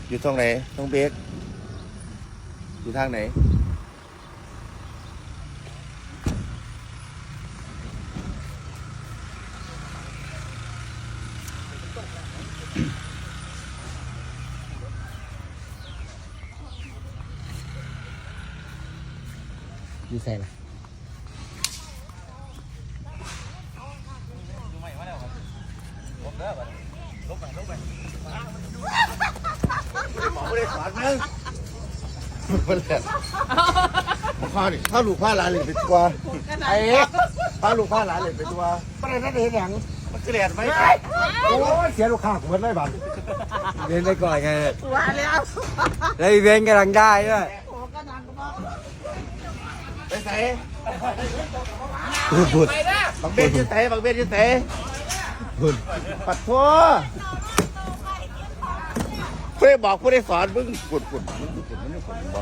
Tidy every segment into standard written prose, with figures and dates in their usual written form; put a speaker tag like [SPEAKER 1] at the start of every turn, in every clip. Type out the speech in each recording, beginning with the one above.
[SPEAKER 1] อยู่ตรงไหนตรงเบรกอยู่ทางไหนอยู่ใส่ละหมอไม่ได้สอนมึงมันแหละข้าดิข้าลูกผ้าหลานเลยไปตัวไอ้ข้าลูกผ้าหลานเลยไปตัวประเด็นนั้นเห็นอย่างมันเกลียดไหมโอ้ยเสียลูกค้ากูมันไม่บัง
[SPEAKER 2] เล่นไปก่อนไง
[SPEAKER 3] ว่าแล้ว
[SPEAKER 2] แล้วอีเวนต์กำลังได้ด้วย
[SPEAKER 1] ไปใส่บุญบางเบ็ดยืดเตะบางเบ็ดยืดเตะบุญปัดทั่วผู้ได้บอกผู้ได้สอนมึงกุดมึงไม่กุดบอก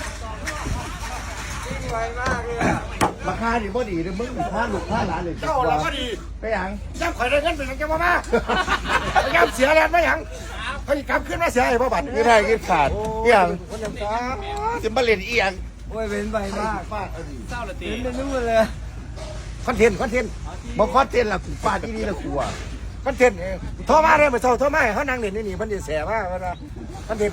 [SPEAKER 2] ไวมากเลย
[SPEAKER 1] ราคาดีบ่ดีเลยมึงผ้าลูกผ้าหลานเลย
[SPEAKER 3] เจ้าเราก็ดี
[SPEAKER 1] ไปยัง
[SPEAKER 3] ย่ำข่อยได้เงินเป็นยังจะมามาย่ำเสียแล้วไม่ยังเขาอีกกำขึ้นมาเสียไอ้พ่อบัตร
[SPEAKER 1] นี่ไทยกินขาดเอียงจะมาเล่นเอียง
[SPEAKER 2] โอ้ยเว้นไวมาก
[SPEAKER 1] ฟาดเอาดิ
[SPEAKER 2] เว้นเป็นนู่นเลย
[SPEAKER 3] คอนเทนต์
[SPEAKER 1] มาคอสเทนละกูฟาดที่นี่ละกูอ่ะ
[SPEAKER 3] คอนเทนต์โทรมาเลยมาโทรมาเขานั่งเด่นนี่มันจะแสบมากนะคอนเทนต์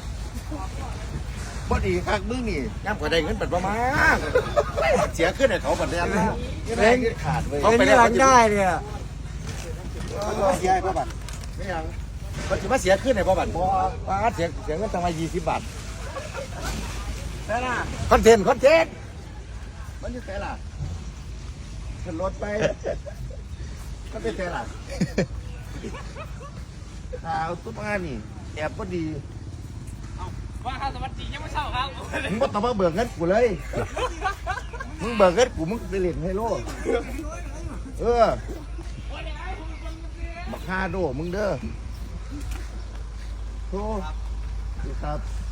[SPEAKER 1] บ่ดีคักมึงนี่
[SPEAKER 3] ย่ำข่อยได้เงินเป็นประมาณเสียขึ้นให้เขาบัตรแล้ว
[SPEAKER 1] เล่นขาดเว้ย
[SPEAKER 2] เว้นกำลังได้เนี่ย
[SPEAKER 3] เสียไอ้พ่อบัตร
[SPEAKER 1] ไม่ยัง
[SPEAKER 3] เขาจะมาเสียขึ้นให้พ่อบัตรป้าเสียเงินตั้งมา20 บาท
[SPEAKER 1] ได้ล่ะ
[SPEAKER 3] คอนเทนต์
[SPEAKER 1] มันจะเตะล่ะขึ้นรถไปก็ไปเตะล่ะเอาตุ๊กงานนี่แอบก็ดี
[SPEAKER 4] ว่าครับสวัสดียังไม่เช้าครับ
[SPEAKER 1] มึงก็ต้องมาเบิกเงินกูเลยมึงเบิกเงินกูมึงไปเล่นไฮโลบักฮาโดมึงเด้อโธ่ครับ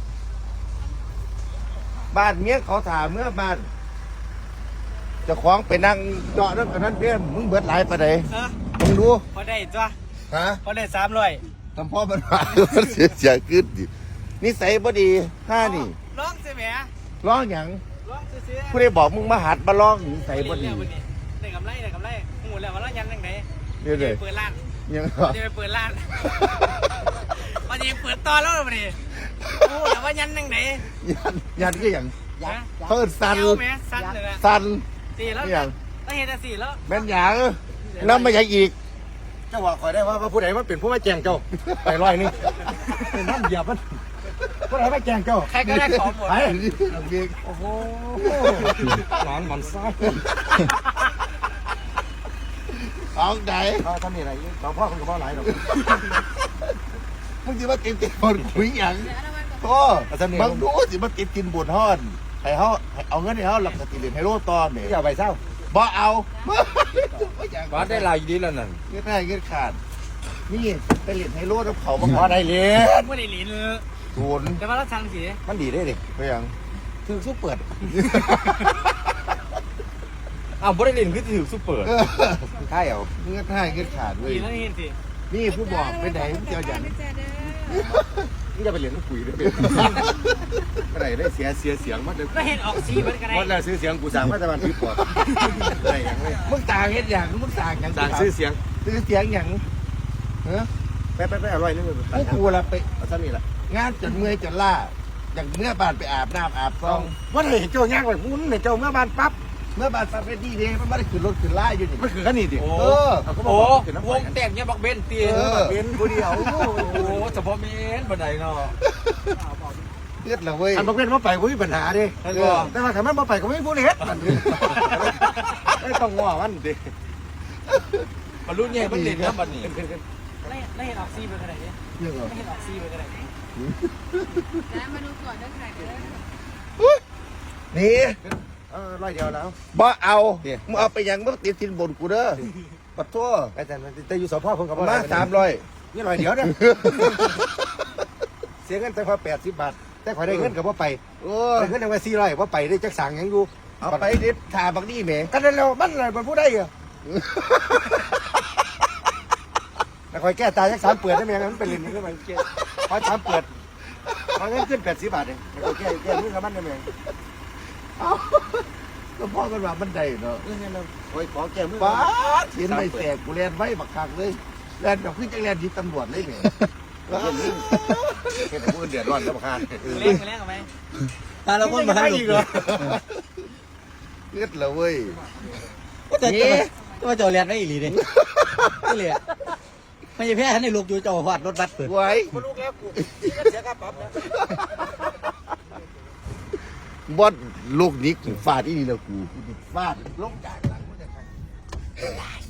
[SPEAKER 1] บ้านเมียเขาถามเมื่อบ้านเจะคล้าของไปนั่งเจาะนั่นกับนั่นเพี้ยนมึงเบิดหลายปะไหนมึงดู
[SPEAKER 4] พอได้จ้ะ
[SPEAKER 1] ฮะ
[SPEAKER 4] พอได้300
[SPEAKER 1] ทำพ่อมันมามันเสียขึ้นดินิสัยบ่ดีห้านี่
[SPEAKER 4] ร้องใช่ไหม
[SPEAKER 1] ร้องหยัง
[SPEAKER 4] ร้องซื้อ
[SPEAKER 1] ผู้ใดบอกมึงมาหัดมาร้องนิสัยบ่ดี
[SPEAKER 4] ได้กำไรหูแล้วว่าเรายันยังไง
[SPEAKER 1] เดี๋ยวเลย
[SPEAKER 4] เปิดร้าน
[SPEAKER 1] ยัง
[SPEAKER 4] จะไปเปิดร้านวันนี้เปิดต่อแล้ววันนี้โอ้แต่ว่ายันยังไง
[SPEAKER 1] ยันก็อย่าง
[SPEAKER 4] ยัน
[SPEAKER 1] เขาเอิ้นสัน
[SPEAKER 4] ไหมสั้นเลยนะ
[SPEAKER 1] สัน
[SPEAKER 4] ตีแล้ว
[SPEAKER 1] อย่าง
[SPEAKER 4] แล้วเห็นแต่สีแล้ว
[SPEAKER 1] แม่นหยังน้ำมาอย่างอีก
[SPEAKER 3] เจ้าว่าข่อยได้ว่าผู้ใดมันเป็นผู้มาแจงเจ้าไปร้อยนี่เป็นน้ำเหยียบมันผู้ใดมาแจงเจ้า
[SPEAKER 4] ใครก็ได้ของหมด
[SPEAKER 1] ไอ้
[SPEAKER 3] โอ้โหหลานมันซ่า
[SPEAKER 1] เอาไหน
[SPEAKER 3] เขาทำนี่อะไรสองพ่อคนกับพ่อหลายหรอก
[SPEAKER 1] มึงจะมาติดบนคุยหยังโอ้มึงดูสิมาติดกินบุญฮ้อนให้เขาให้เอาเงินให้เขาหลักสติเรียนให้โลตอนเนี่ย
[SPEAKER 3] อย่าไปเศร้า
[SPEAKER 1] บ่เอา
[SPEAKER 2] วัดได้ลายอยู่ดีแล้วนั่น
[SPEAKER 1] เงินได้เงินขาดนี่ไปเรียนให้โลดเขาบัง
[SPEAKER 3] พอได้เลย
[SPEAKER 4] ไม่ได้หลีน
[SPEAKER 1] ศูนย์
[SPEAKER 4] แต่ว่าเราสั่งสี
[SPEAKER 3] มันดีได้ดิ
[SPEAKER 1] ไปยัง
[SPEAKER 3] คือสู้เปิด
[SPEAKER 2] อ้าวบริเวณคือถือซุปเปอร์
[SPEAKER 3] ใช่เอา
[SPEAKER 1] เงินให้เงินขาดเว้ย
[SPEAKER 4] สีแล้วเห็นสิ
[SPEAKER 1] นี่ผู้บอกไปไหนมึงเจ้าอย่าง
[SPEAKER 3] นี่จะไปเรียนลูกปุ๋ยด้วยไปไหนได้เสียเสียงมัดเลย
[SPEAKER 4] ก็เห็นออกสีเหมือนกัน
[SPEAKER 3] มัดแล้วซื้อเสียงกูสั่งมาแต่วันที่ปอดอะไรอย่างเลย
[SPEAKER 1] มึงต่างเห็นอย่างมึงต่างอย่าง
[SPEAKER 3] สั่งซื้อเสียง
[SPEAKER 1] ซื้อเสียงอย่างเออ
[SPEAKER 3] ไปอร่อยนึงเลย
[SPEAKER 1] พวกกูละไป
[SPEAKER 3] เอาซ้ำนี่แหละ
[SPEAKER 1] งานจนเมื่อยจนล่าอย่างเมื่อบ้านไปอาบน้ำอาบซอง
[SPEAKER 3] ว่าเห็นเจ้าย่างไปมุ้นเห็นเจ้าเมื่อบ้านปั๊บ
[SPEAKER 1] เมื่อบ้านซัฟเฟดี้เนี่ยมันไม่ได้ขึ้นรถขึ้นล่าอยู่นี่
[SPEAKER 3] มันคือกันนี่ดิ
[SPEAKER 2] โอ้
[SPEAKER 1] เออ
[SPEAKER 2] โหวงแต่งเนี่ยบักเบนตี
[SPEAKER 3] เป็นผู้เดียว
[SPEAKER 2] โอ้โหเฉพาะเมนบันไดเนาะ
[SPEAKER 1] เลือดละเว้ย
[SPEAKER 3] อันบอกเป็นว่าไปกูมีปัญหาดิแต่ว่าถ้ามันมาไปก็ไม่พูดเฮ็ดมันไม่ต้องง้อมันดิ
[SPEAKER 2] บรรลุเนี่ยมันเด่นนะบันนี้
[SPEAKER 4] แล้วเห็นออกสีเหมือนกันไหนเนี่ย
[SPEAKER 1] เรื่องเหรอ
[SPEAKER 4] เห็นออกสีเหมือนกันไหน
[SPEAKER 5] แล้วมาดูก่อนเรื่องไหนเด้อ
[SPEAKER 1] นี่
[SPEAKER 3] ร้อยเดียวแล้ว
[SPEAKER 1] บ่เอามึงเอาไปยังมึงติดสินบนกูเด้อปัดทั่ว
[SPEAKER 3] อาจารย์แต่อยู่สพคนกับ
[SPEAKER 1] มา300
[SPEAKER 3] นี่ร้อยเดียวเนี่ยเสียเงินแต่พอ80 บาทแต่ข่อยได้เงินกับว่าไป
[SPEAKER 1] เออ
[SPEAKER 3] ได้เงินเอาไว้400ว่าไปได้จักสั่งยังอยู่
[SPEAKER 1] เอาไปเด็ดทาบักนี่แหม
[SPEAKER 3] กันนั่นแล้วมันอะไรมันพูดได้เหรอแต่ข่อยแก้ตายจัก3เปิดได้ไหมงั้นมันเป็นเล่นนี่ก็มันแก้พอ3เปิดขอเงินขึ้น80 บาทเองโอเคแก้มือกับมันได้ไหม
[SPEAKER 1] เอาก็พ่อกันว่ามันได้เนาะ
[SPEAKER 3] งั้นเราขอแก้มือ
[SPEAKER 1] ป้าดเห็นไม่แตกกูเรียนไว้บักคักเลยเรียนแบบขึ้นจังเรียนที่ตำรวจเลยเนี่ย
[SPEAKER 3] เห็นมือเดือดร้อนแล้วบ้าน
[SPEAKER 4] เล่นกันเล่นกันไหม
[SPEAKER 3] เราคนมาให้อีกเหรอ
[SPEAKER 1] เลือดเลยเว้ย
[SPEAKER 6] ก็มาจอดเรียนได้อีหลีดินี่เลยไม่ใช่แพ้ท่านในลูกอยู่จอหอดรถบัสเปิด
[SPEAKER 1] ไว้
[SPEAKER 3] มาลูกแล้วกูเสียค่าปรับนะ
[SPEAKER 1] บอสลูกนี้กูฟาดอีนี่แล้วกูฟาดลงจากหลังกูจะใคร